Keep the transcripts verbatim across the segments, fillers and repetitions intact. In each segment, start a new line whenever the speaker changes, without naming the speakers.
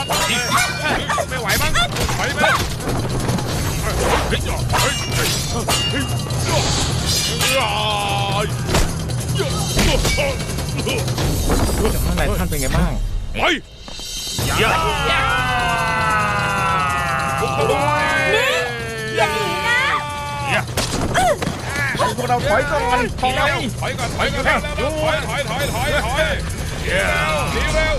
จัดไม่ไหวมั้งไหวไหมเฮ้ยเฮ้ยเฮ้ยเฮ้ย
จากข้างในท่านเป็นไงบ้าง
ไปอย่า
นี่อย่าหนีนะ
พวกเราถอยก่อนถอย
ถอยก่อนถอยก่อนถอยถอยถอยถอยถอยถอยเร็วหนีเร็ว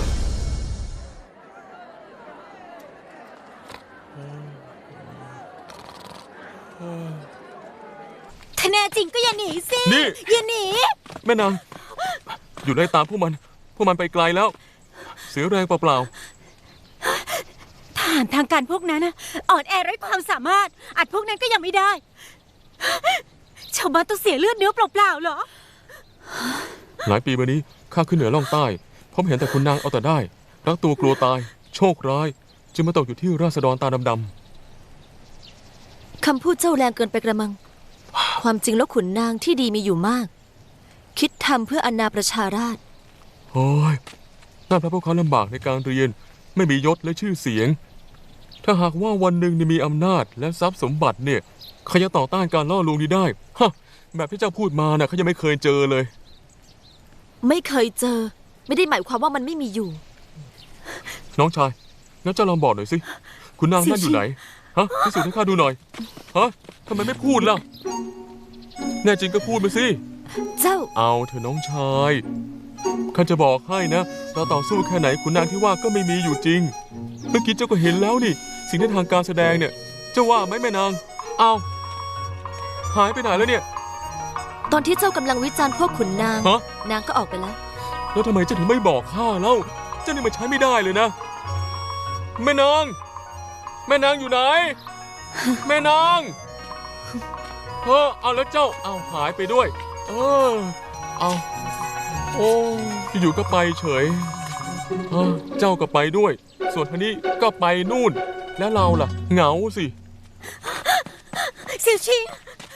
ถ้าแน่จริงก็อย่าหนีสิอย่าหนี
แม่นางอยู่ไล่ตามพวกมันพวกมันไปไกลแล้วเสียแรงเปล่า
ๆทหารทางการพวกนั้นนะอ่อนแอไร้ความสามารถอัดพวกนั้นก็ยังไม่ได้ชาวบ้านต้องเสียเลือดเนื้อเปล่าๆเหรอ
หลายปีมานี้ข้าขึ้นเหนือล่องใต้พบเห็นแต่คุณนางเอาแต่ได้รักตัวกลัวตายโชคร้ายจึงมาตกอยู่ที่ราษฎรตาดำ
ๆคำพูดเจ้าแรงเกินไปกระมังความจริงแล้วขุนนางที่ดีมีอยู่มากคิดทำเพื่ออาณาประชาราษฎร์
โอ้ยนั่นเพราะพวกเขาลำบากในการเรียนไม่มียศและชื่อเสียงถ้าหากว่าวันหนึ่งมีอำนาจและทรัพย์สมบัติเนี่ยใครจะต่อต้านการล่อลวงนี้ได้ฮะแบบที่เจ้าพูดมาน่ะเขายังไม่เคยเจอเลย
ไม่เคยเจอไม่ได้หมายความว่ามันไม่มีอยู่
น้องชายงั้นเจ้าลองบอกหน่อยสิคุณนางนั่นอยู่ไหนฮะพิสูจน์ให้ข้าดูหน่อยฮะทำไมไม่พูดล่ะแน่จริงก็พูดมาสิ
เจ้า
เอาเถอะน้องชายข้าจะบอกให้นะเราต่อสู้แค่ไหนขุนนางที่ว่าก็ไม่มีอยู่จริงเมื่อกี้เจ้าก็เห็นแล้วนี่สิ่งที่ทางการแสดงเนี่ยเจ้าว่าไหมแม่นางเอาหายไปไหนแล้วเนี่ย
ตอนที่เจ้ากำลังวิจารณ์พวกขุนนางนางก็ออกไปแล้ว
แล้วทำไมเจ้าถึงไม่บอกข้าเล่าเจ้านี่มันใช้ไม่ได้เลยนะแม่นางแม่นางอยู่ไหนแม่นางเออเอาแล้วเจ้าเอาหายไปด้วยเออเอาโอ้อยู่ก็ไปเฉยเออเจ้าก็ไปด้วยส่วนท่านี้ก็ไปนู่นแล้วเราล่ะเหงาสิ
เสี่ยวชิง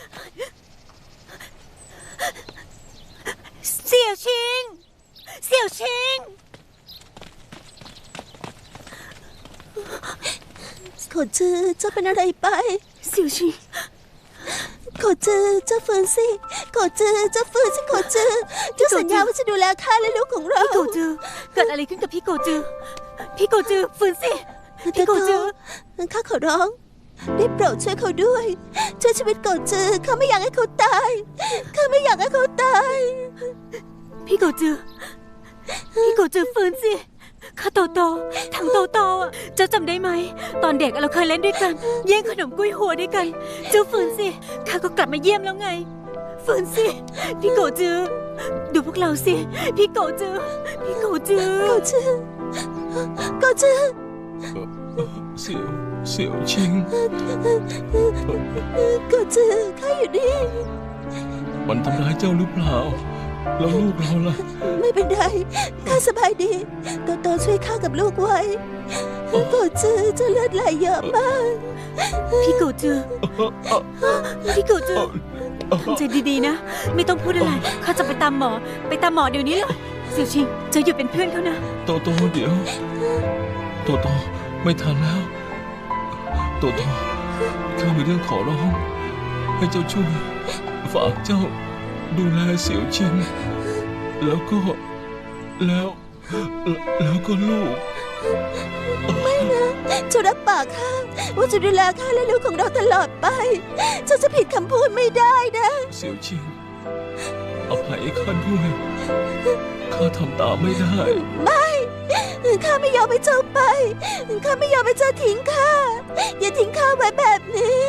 เสี่ยวชิงเสี่ยวชิง
ขอจื้อเจ้าเป็นอะไรไป
เสี่ยวชิง
ขอจื้อเจ้าฟื้นสิขอจื้อเจ้าฟื้นสิขอจื้อเจ้าสัญญาว่าจะดูแลข้าและลูกของเรา
พี่โกจือเกิดอะไรขึ้นกับพี่โกจือพี่โกจือฟื้นสิพี่โกจือ
ข้าขอร้องได้โปรดช่วยเขาด้วยช่วยชีวิตโกจือข้าไม่อยากให้เขาตายข้าไม่อยากให้เขาตาย
พี่โกจือพี่โกจือฟื้นสิข้าโตโตทั้งโตโตอ่ะเจ้าจำได้ไหมตอนเด็กเราเคยเล่นด้วยกันแย่งขนมกุ้ยหัวด้วยกันเจ้าฟื้นสิข้าก็กลับมาเยี่ยมแล้วไงฟื้นสิพี่โกจือดูพวกเราสิพี่โกจือพี่โกจือ
โกจือโกจือ
เสี่ยวเสี่ยวชิง
โกจือข้าอยู่นี่
มันทำร้ายเจ้าหรือเปล่าแล้วลูกเราล่ะ
ไม่เป็นไรข้าสบายดีโตโตช่วยข้ากับลูกไว้โกจือเจ้าเลือดไหลเยอะมาก
พี่โกจือพี่โกจือทำใจดีๆนะไม่ต้องพูดอะไรข้าจะไปตามหมอไปตามหมอเดี๋ยวนี้เลยเสี่ยวชิงจะอยู่เป็นเพื่อนเขานะ
โตโตเดี๋ยวโตโตไม่ทันแล้วโตโตข้ามีเรื่องขอร้องให้เจ้าช่วยฝากเจ้าดูแลเสี่ยวชิงแล้วก็แล้วแล้วก็ลูก
ไม่นะเจ้ารับปากข้าว่าจะดูแลข้าและลูกของเราตลอดไปเจ้าจะผิดคำพูดไม่ได้นะ
เสี่ยวชิงอภัยข้าด้วยข้าทำตามไม่ได้
ไม่ข้าไม่ยอมให้เจ้าไปข้าไม่ยอมให้เจ้าทิ้งข้าอย่าทิ้งข้าไว้แบบนี้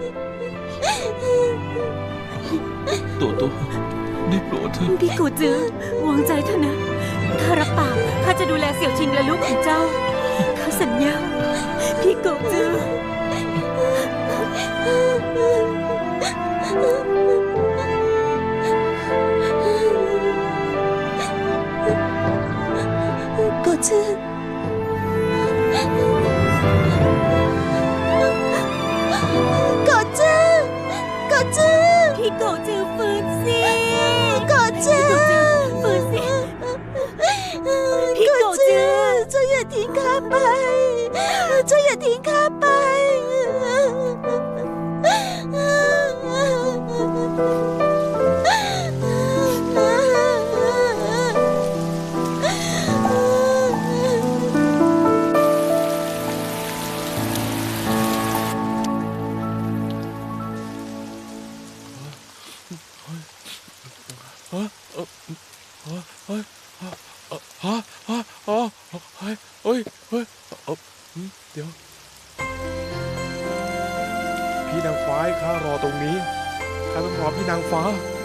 ตัวโตได้โปรดเถอะ
พี่โกจือวางใจเถอะนะข้ารับปากข้าจะดูแลเสี่ยวชิงและลูกของเจ้าข้าสัญญาพี่โกจือ
โกจือโกจือโกจือ
พี่โกจือฟื้นสิ
โกจือ
ฟื้นสิ
พี่โกจือเจ้าอย่าทิ้งข้าไปอย่าทิ้งข้าไป
ฮะเอ่อฮะเฮ้ยฮะเอ่อฮะฮะฮะเฮ้ยเฮ้ยเฮ้ยเอ่อหืมเดี๋ยว
พี่นางฟ้าให้ข้ารอตรงนี้ข้าต้องรอพี่นางฟ้า